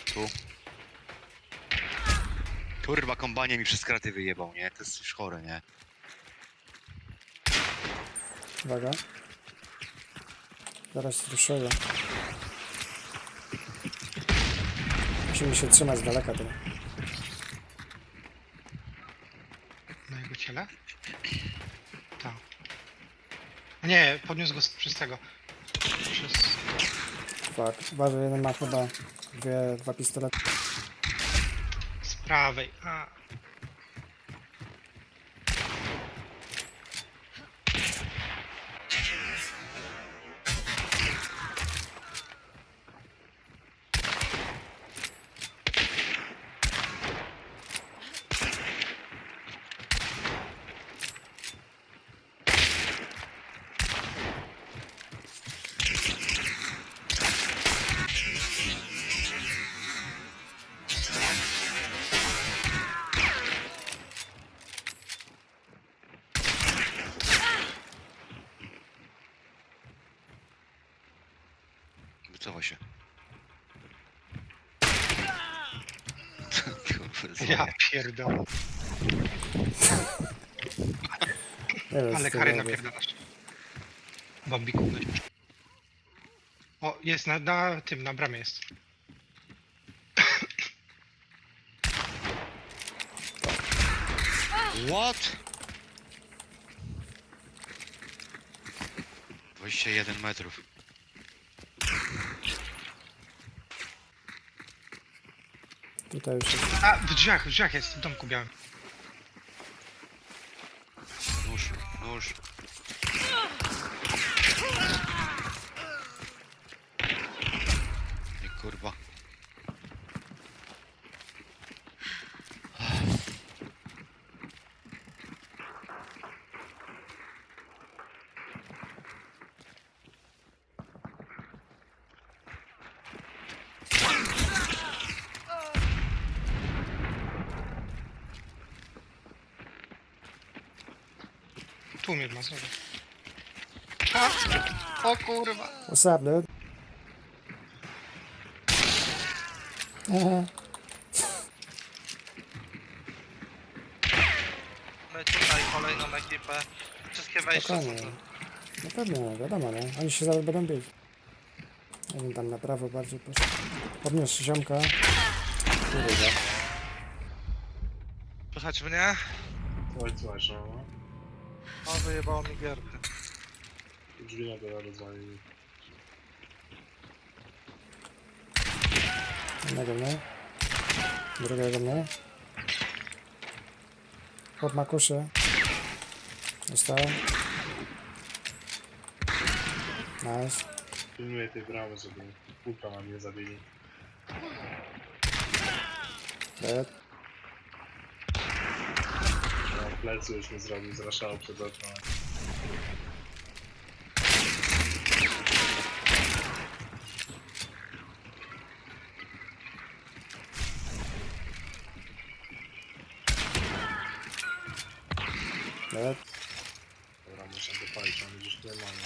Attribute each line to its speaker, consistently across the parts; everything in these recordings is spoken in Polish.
Speaker 1: Tu. Kurwa, kombanie mi przez kraty wyjebał, nie? To jest już chore, nie?
Speaker 2: Uwaga. Zaraz ruszyły. Musimy się trzymać z daleka tego.
Speaker 3: Na jego ciele? Tak. Nie, podniósł go przez tego. Przez...
Speaker 2: Fuck. Uważaj, jeden ma chyba dwa pistolety.
Speaker 3: z prawej. A.
Speaker 1: Wycofaj się.
Speaker 3: Ja pierdolę.
Speaker 2: Nie wiem,
Speaker 3: Ale
Speaker 2: co
Speaker 3: kary
Speaker 2: to robię.
Speaker 3: napierdalasz. Bambiku weź. O, jest na tym, na bramie jest.
Speaker 1: What? 21 metrów.
Speaker 2: Tutaj już jest.
Speaker 3: A, w drzwiach jest, w domku białym.
Speaker 1: Nóż, nóż. Nie, kurwa.
Speaker 3: Tu mnie ma znowu. A! O kurwa!
Speaker 2: What's up, dude? Aha.
Speaker 4: My tutaj kolejną ekipę. Wszystkie wejścia są
Speaker 2: Spokojnie.
Speaker 4: tu.
Speaker 2: No pewnie, wiadomo, nie? Oni się zaraz będą bić. Jeden tam na prawo bardziej poszedł. Podniósł ziomka. Kurwa.
Speaker 4: Słychać mnie?
Speaker 5: Słuchaj, no.
Speaker 4: O, wyjebało mi gierkę.
Speaker 5: Drzwi na dole rozwalili.
Speaker 2: Jednego mnie. Drugiego mnie. Chłop ma kuszę. Dostałem. Nice.
Speaker 5: Pilnuję tej bramy, żeby kulka nam nie zabili.
Speaker 2: Dead.
Speaker 5: No, plecy już nie zrobił, zraszał przed oknem.
Speaker 2: Dead.
Speaker 5: Dobra, muszę dopalić, mamy gdzieś tutaj mamy.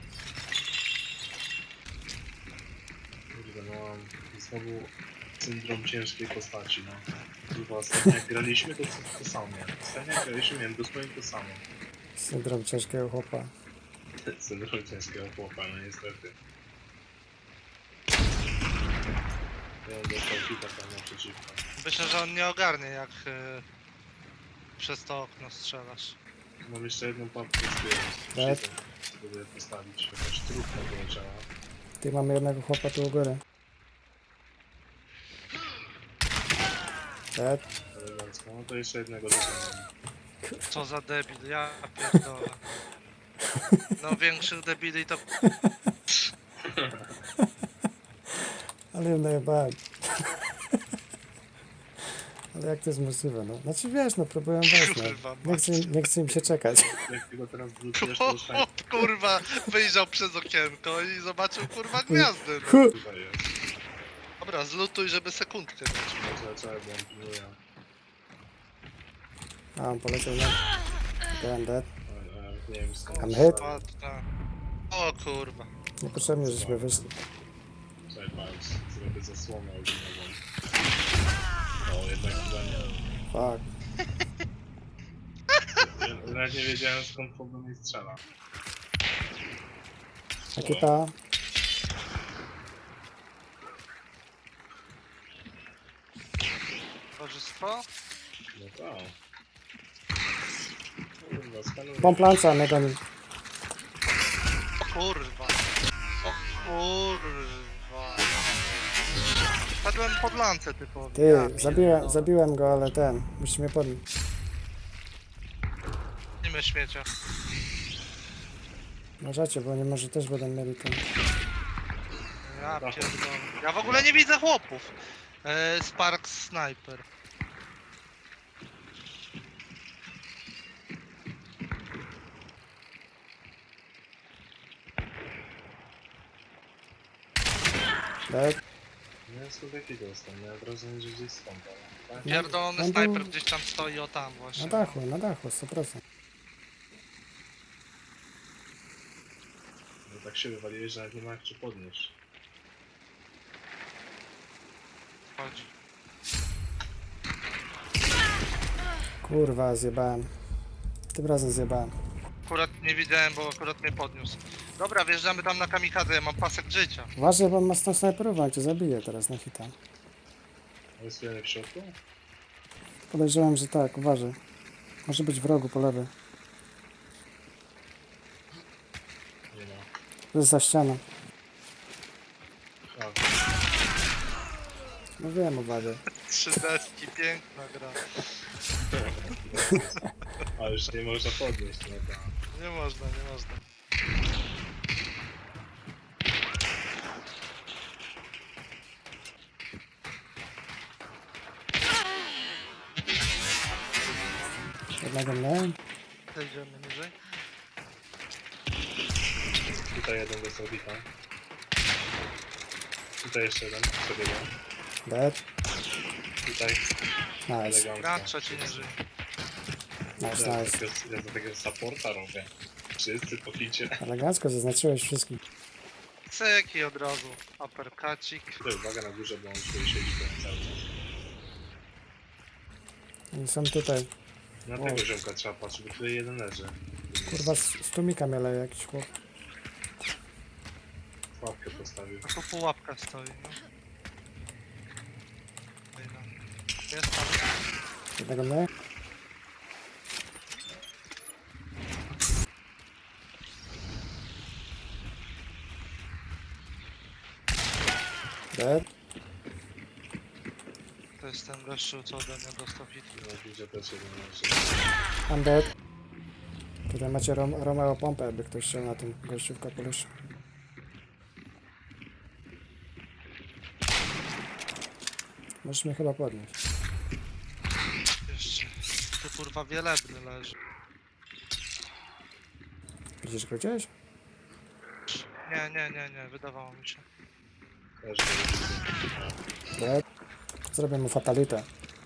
Speaker 5: Kurde, no mam znowu syndrom ciężkiej postaci, no. Chyba ostatnio jak graliśmy, to samo miałem. Ostatnio jak graliśmy, miałem dosłownie to samo.
Speaker 2: Syndrom ciężkiego chłopa.
Speaker 5: Syndrom ciężkiego chłopa, no niestety. Ja dostał hita tam naprzeciwko.
Speaker 4: Myślę, że on nie ogarnie jak przez to okno strzelasz.
Speaker 5: Mam jeszcze jedną papkę z tyłu.
Speaker 2: Tak.
Speaker 5: Spróbuję postawić. Jakaś trudna poleciała.
Speaker 2: Ty mamy jednego chłopa tu u góry. Dead.
Speaker 5: Elegancko. No to jeszcze jednego dokonam.
Speaker 4: Co za debil, ja pierdolę. No większych debili to...
Speaker 2: Ale ją najebałem. Ale jak to jest możliwe, no? Znaczy wiesz, no próbuję wejść,
Speaker 4: Kurwa,
Speaker 2: no. Nie chcę im się czekać.
Speaker 5: Jak ty go teraz wrócisz, to już tak
Speaker 4: Chłop, kurwa, wyjrzał przez okienko i zobaczył, kurwa, gwiazdy. No.
Speaker 2: Hu!
Speaker 5: tutaj jest.
Speaker 4: Dobra, zlutuj, żeby sekundkę mieć.
Speaker 5: Zaczęły, bo on pilnuje.
Speaker 2: A, on poleciał na... Ten dead.
Speaker 5: Nie wiem skąd.
Speaker 2: I'm hit.
Speaker 4: O, ta. O kurwa.
Speaker 2: Niepotrzebnie, żeśmy wyszli.
Speaker 5: Czekaj, Czekaj, patrz, zrobię zasłonę ogniową. O, jednak chyba nie.
Speaker 2: Fuck.
Speaker 5: Ja nawet nie wiedziałem, skąd po mnie strzela.
Speaker 2: Ekipa.
Speaker 4: Towarzystwo?
Speaker 5: No tak. Kurwa, skanuję.
Speaker 2: Pomplanca mnie goni.
Speaker 4: Kurwa. O kurwa. Padłem pod lancę typowo.
Speaker 2: Ty, zabiłem go, ale ten. Musisz mnie podnieść.
Speaker 4: Nie śmiecia.
Speaker 2: Uważajcie, bo nie może też będą mieli ten.
Speaker 4: Ja pierdolę. Ja w ogóle nie widzę chłopów. Spark Sniper.
Speaker 2: Tak?
Speaker 5: Nie, skąd jaki dostał? Miałem wrażenie, że gdzieś stąd, ale... Tak?
Speaker 4: Pierdolony
Speaker 2: no bo-
Speaker 4: snajper gdzieś tam stoi, o tam
Speaker 2: Na
Speaker 4: właśnie.
Speaker 2: dachu, 100%.
Speaker 5: No tak się wywaliłeś, że nawet nie ma jak cię podnieść.
Speaker 4: Chodzi.
Speaker 2: Kurwa, zjebałem. Tym razem zjebałem.
Speaker 4: Akurat nie widziałem, bo akurat mnie podniósł. Dobra, wjeżdżamy tam na kamikadze, ja mam pasek życia.
Speaker 2: Uważaj, bo on ma z tą snajperową, on cię zabije teraz na hita.
Speaker 5: A jest jeden w środku?
Speaker 2: Podejrzewam, że tak, uważaj. Może być w rogu po lewej.
Speaker 5: Nie ma.
Speaker 2: To jest za ścianą.
Speaker 5: A,
Speaker 2: No wiem, uważaj.
Speaker 4: 3 deski, piękna gra.
Speaker 5: a już nie można podnieść, no tak.
Speaker 4: Nie można, nie można.
Speaker 2: Jednego mnie.
Speaker 4: Zejdziemy niżej.
Speaker 5: Tutaj jeden dostał hita. Tutaj jeszcze jeden, przebiegł.
Speaker 2: Dead.
Speaker 5: Tutaj,
Speaker 2: Nice.
Speaker 5: elegancko.
Speaker 4: Gra trzeci niżej.
Speaker 2: Nice,
Speaker 5: Ja
Speaker 2: nice.
Speaker 5: za takiego supporta robię. Wszyscy po hicie.
Speaker 2: Elegancko zaznaczyłeś wszystkich.
Speaker 4: Cyki od razu. Uppercutcik.
Speaker 5: Tutaj uwaga na górze, bo on tutaj siedzi tu cały czas.
Speaker 2: Oni są tutaj.
Speaker 5: Na
Speaker 2: Wow.
Speaker 5: tego ziomka trzeba patrzeć, bo tutaj jeden leży.
Speaker 2: Kurwa, z tłumika mnie leje jakiś chłop.
Speaker 5: Łapkę postawił.
Speaker 4: A tu pułapka stoi, no. Jest tam.
Speaker 2: Jednego mnie. Dead.
Speaker 4: To jest ten gościu, co ode mnie dostał hit.
Speaker 5: No widzę też jeden leży.
Speaker 2: I'm dead. Tutaj macie Romeo pompę, jakby ktoś chciał na tym gościu w kapeluszu. Możesz mnie chyba podnieść.
Speaker 4: Jeszcze. Tu kurwa wielebny leży.
Speaker 2: Widzisz go gdzieś?
Speaker 4: Nie, wydawało mi się.
Speaker 5: Leży.
Speaker 2: Dead. Zrobię mu fatalitę.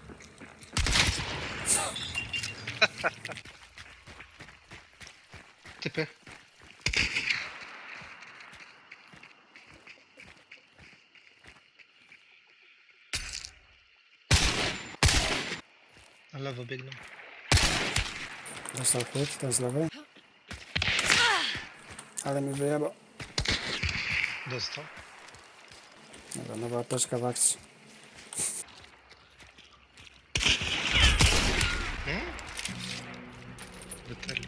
Speaker 3: Typy. Na lewo biegną.
Speaker 2: Dostał chwyt, ten z lewej. Ale mi wyjebał.
Speaker 3: Dostał.
Speaker 2: Dobra, nowa apteczka w akcji.
Speaker 3: Wyteli.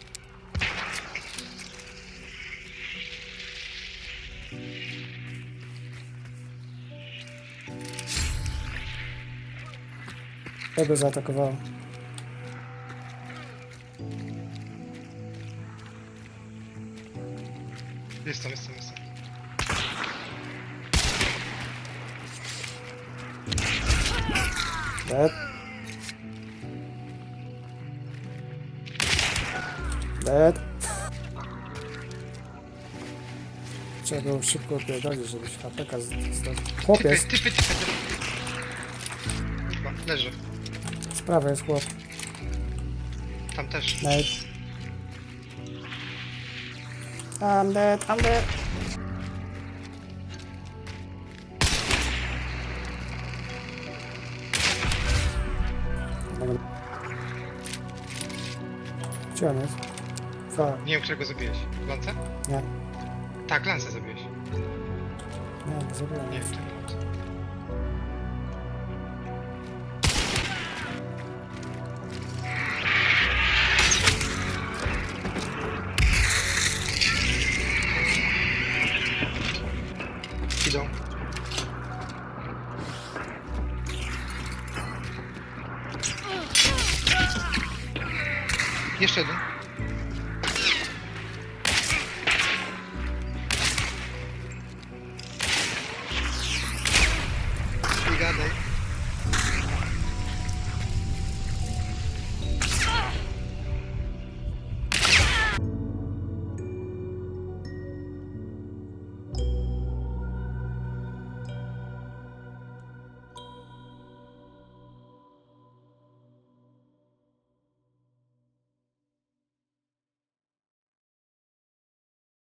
Speaker 2: Tego zaatakowało.
Speaker 3: Jestem.
Speaker 2: Dead. Dead. Trzeba było szybko opierdolić, żebyś HPK zdobył. Chłopiec,
Speaker 3: Typy. Kurwa, leży.
Speaker 2: z prawej jest chłop.
Speaker 3: Tam też.
Speaker 2: Nate. I'm dead, I'm dead. Gdzie on jest? Fuck.
Speaker 3: Nie wiem, którego zabiłeś. Lanca?
Speaker 2: Nie,
Speaker 3: Tak, Lanca zabiłeś.
Speaker 2: nie zabiłem.
Speaker 3: Nie, tak, Lanca. Idą. Jeszcze jeden.